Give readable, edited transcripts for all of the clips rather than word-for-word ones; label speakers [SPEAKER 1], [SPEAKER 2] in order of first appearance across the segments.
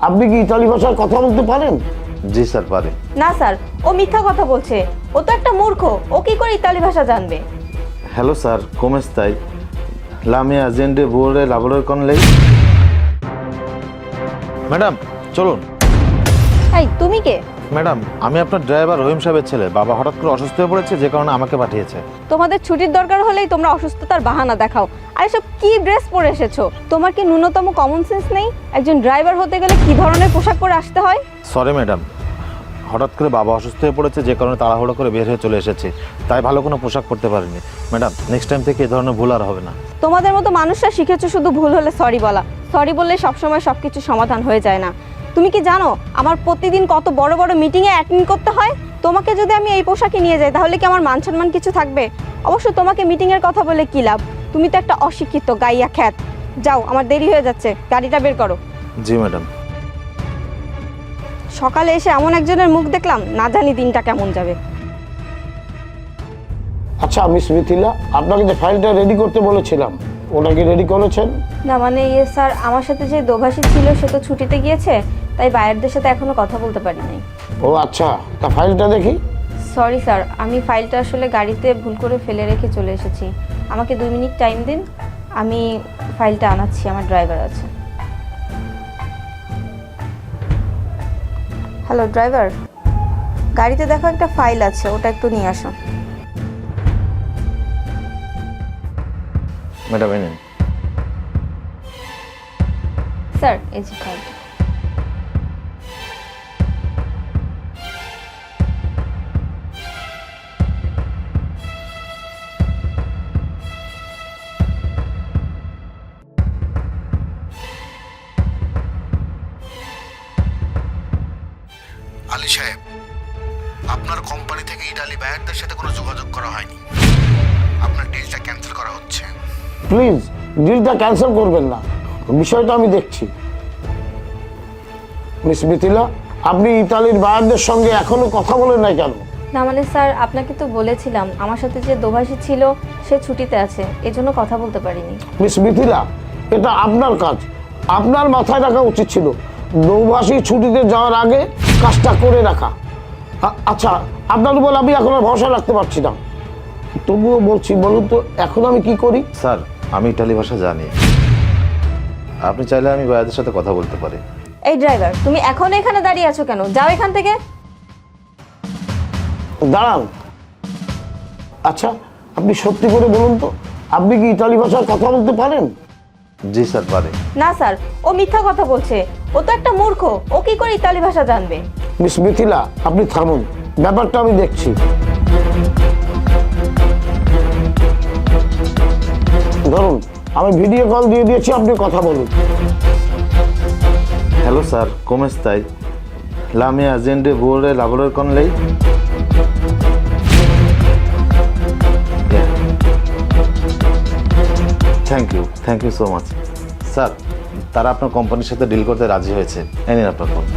[SPEAKER 1] আপনি কি ইতালি ভাষায় কথা বলতে পারেন?
[SPEAKER 2] জি স্যার পারে।
[SPEAKER 3] না স্যার, ও মিথ্যা কথা বলছে। ও তো একটা মূর্খ, ও কি করে ইতালি ভাষা জানবে?
[SPEAKER 2] Hello sir, come stai? La mia azienda vuole lavorare con lei? Madam চলুন।
[SPEAKER 3] এই তুমি কে?
[SPEAKER 2] ম্যাডাম আমি আপনার ড্রাইভার রহিম সাহেবের ছেলে। বাবা হঠাৎ করে অসুস্থ হয়ে পড়েছে, যে কারণে আমাকে পাঠিয়েছে।
[SPEAKER 3] তোমাদের ছুটির দরকার হলেই তোমরা অসুস্থতার বাহানা দেখাও। আর এসব কি ড্রেস পরে এসেছো? তোমার কি ন্যূনতম কমন সেন্স নেই? একজন ড্রাইভার হতে গেলে কি ধরনের পোশাক পরে আসতে হয়?
[SPEAKER 2] সরি ম্যাডাম, হঠাৎ করে বাবা অসুস্থ হয়ে পড়েছে, যে কারণে তাড়াহুড়ো করে বের হয়ে চলে এসেছি, তাই ভালো কোনো পোশাক পরতে পারিনি। ম্যাডাম নেক্সট টাইম থেকে এই ধরনের ভুল আর হবে না।
[SPEAKER 3] তোমাদের মতো মানুষরা শিখেছো শুধু ভুল হলে সরি বলা। সরি বললে সবসময় সবকিছু সমাধান হয়ে যায় না। তুমি কি জানো আমার প্রতিদিন কত বড় বড় মিটিংয়ে অ্যাটেন্ড করতে হয়? তোমাকে যদি আমি এই পোশাকে নিয়ে যাই তাহলে কি আমার মান সম্মান কিছু থাকবে? অবশ্য তোমাকে মিটিংয়ের কথা বলে কি লাভ? তুমি তো একটা অশিক্ষিত গাইয়া খ্যাত। যাও, আমার দেরি হয়ে যাচ্ছে, গাড়িটা বের করো।
[SPEAKER 2] জি ম্যাডাম।
[SPEAKER 3] সকালে এসে এমন একজনের মুখ দেখলাম, না জানি দিনটা কেমন যাবে।
[SPEAKER 1] আচ্ছা মিস মিথিলা, আপনাকে যে ফাইলটা রেডি করতে বলেছিলাম ওটা কি রেডি করেছেন?
[SPEAKER 3] না মানে স্যার, আমার সাথে যে দোভাষী ছিল সে তো ছুটিতে গিয়েছে, তাই বায়ারদের সাথে এখনো কথা বলতে পারিনি।
[SPEAKER 1] ও আচ্ছা, তা ফাইলটা দেখি।
[SPEAKER 3] সরি স্যার, আমি ফাইলটা আসলে গাড়িতে ভুল করে ফেলে রেখে চলে এসেছি। আমাকে 2 মিনিট টাইম দিন, আমি ফাইলটা আনাচ্ছি, আমার ড্রাইভার আছে। হ্যালো ড্রাইভার, গাড়িতে দেখো একটা ফাইল আছে, ওটা একটু নিয়ে আসো।
[SPEAKER 2] ম্যাডাম এই নিন।
[SPEAKER 3] স্যার এই যে ফাইলটা।
[SPEAKER 4] আলী সাহেব, আপনার কোম্পানি থেকে ইটালি বায়ারদের সাথে কোনো যোগাযোগ করা হয়নি। আপনার ডিলটা ক্যান্সেল করা হচ্ছে।
[SPEAKER 1] প্লিজ ডিলটা ক্যান্সেল করবেন না, বিষয়টা আমি দেখছি। মিস মিথিলা, আপনি ইতালির বায়ারদের সঙ্গে এখনো কথা বলেন নাই কেন?
[SPEAKER 3] না মানে স্যার, আপনাকে তো বলেছিলাম আমার সাথে যে দোভাষী ছিল সে ছুটিতে আছে, এজন্য কথা বলতে পারিনি।
[SPEAKER 1] মিস মিথিলা, এটা আপনার কাজ, আপনার মাথায় রাখা উচিত ছিল নৌবাসী ছুটিতে যাওয়ার আগে কাজটা করে রাখা। আচ্ছা, আপনার উপর আমি এখন আর ভরসা রাখতে পারছি না, তবুও বলছি, বলুন তো এখন আমি কি করি?
[SPEAKER 2] স্যার আমি ইটালি ভাষা জানি, আপনি চাইলে আমি বায়াদের সাথে কথা বলতে পারি।
[SPEAKER 3] এই ড্রাইভার, তুমি এখন এখানে দাঁড়িয়ে আছো কেন? যাও এখান থেকে।
[SPEAKER 1] দাঁড়ান। আচ্ছা, আপনি সত্যি করে বলুন তো, আপনি কি ইতালি ভাষায় কথা বলতে পারেন?
[SPEAKER 2] জি স্যার পারে।
[SPEAKER 3] না স্যার, ও মিথ্যা কথা বলছে। ও তো একটা মূর্খ, ও কি করে ইতালি ভাষা জানবে?
[SPEAKER 1] মিস মিথিলা, আপনি থামুন, ব্যাপারটা আমি দেখছি। ধরুন, আমি ভিডিও কল দিয়ে দিয়েছি, আপনি কথা বলুন।
[SPEAKER 2] Hello sir, come stai? La mia azienda vuole lavorare con lei? Thank you so much. Sir তারা আপনার কোম্পানির সাথে ডিল করতে রাজি হয়েছে, এই নিন আপনার ফোন।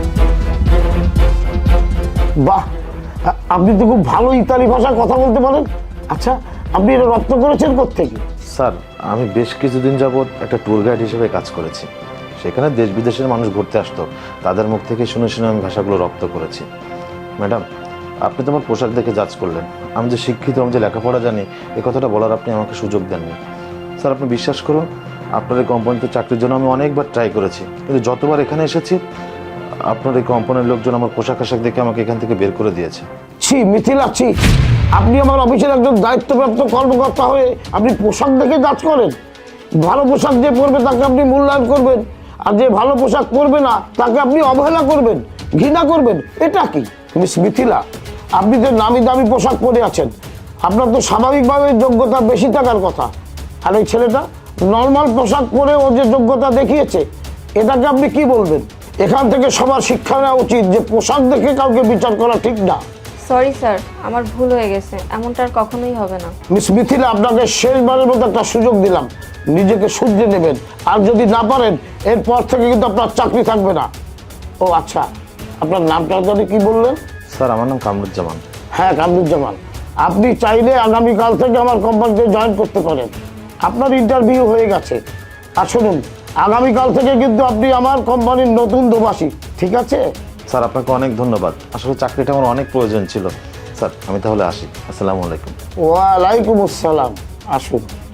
[SPEAKER 1] বাহ, আপনি তো খুব ভালো ইতালি ভাষায় কথা বলতে পারেন। আচ্ছা, আপনি এটা রপ্ত করেছেন কোত্থেকে?
[SPEAKER 2] স্যার আমি বেশ কিছুদিন যাবৎ একটা ট্যুর গাইড হিসেবে কাজ করেছি, সেখানে দেশ বিদেশের মানুষ ঘুরতে আসতো, তাদের মুখ থেকে শুনে শুনে আমি ভাষাগুলো রপ্ত করেছি। ম্যাডাম আপনি তো আমার পোশাক দেখে জাজ করলেন, আমি যে শিক্ষিত, আমি যে লেখাপড়া জানি, এ কথাটা বলার আপনি আমাকে সুযোগ দেননি। স্যার আপনি বিশ্বাস করুন, আপনার এই কোম্পানিতে চাকরির জন্য আমি অনেকবার ট্রাই করেছি, কিন্তু যতবার এখানে এসেছি আপনার এই কোম্পানির লোকজন আমার পোশাক আশাক দেখে আমাকে এখান থেকে বের করে দিয়েছে।
[SPEAKER 1] ছি মিথিলা, ছি! আপনি আমার অফিসের একজন দায়িত্বপ্রাপ্ত কর্মকর্তা হয়ে আপনি পোশাক দেখে জাজ করেন? ভালো পোশাক যে পরবে তাকে আপনি মূল্যায়ন করবেন, আর যে ভালো পোশাক পরবে না তাকে আপনি অবহেলা করবেন, ঘৃণা করবেন, এটা কি? মিস মিথিলা, আপনি যে নামি দামি পোশাক পরে আছেন, আপনার তো স্বাভাবিকভাবে যোগ্যতা বেশি থাকার কথা। আর ওই ছেলেটা নর্মাল পোশাক পরে ও যে যোগ্যতা দেখিয়েছে, এটাকে আপনি কি বলবেন? এখান থেকে সবার শিক্ষা নেওয়া উচিত যে পোশাক দেখে কাউকে বিচার করা ঠিক না।
[SPEAKER 3] সরি স্যার, আমার ভুল হয়ে গেছে, এমনটা আর কখনোই হবে না।
[SPEAKER 1] মিস মিথিলা, আপনাকে শেষবারের মতো একটা সুযোগ দিলাম, নিজেকে শুধরে নেবেন, আর যদি না পারেন এরপর থেকে কিন্তু আপনার চাকরি থাকবে না। ও আচ্ছা, আপনার নামটা যদি কি বললেন?
[SPEAKER 2] স্যার আমার নাম কামরুজ্জামান।
[SPEAKER 1] হ্যাঁ কামরুজ্জামান, আপনি চাইলে আগামীকাল থেকে আমার কোম্পানিতে জয়েন করতে পারেন। আপনার ইন্টারভিউ হয়ে গেছে। আর শুনুন, আগামীকাল থেকে কিন্তু আপনি আমার কোম্পানির নতুন দোভাষী, ঠিক আছে?
[SPEAKER 2] স্যার আপনাকে অনেক ধন্যবাদ, আসলে চাকরিটা আমার অনেক প্রয়োজন ছিল। স্যার আমি তাহলে আসি, আসসালামু আলাইকুম।
[SPEAKER 1] ওয়ালাইকুম আসসালাম, আসুন।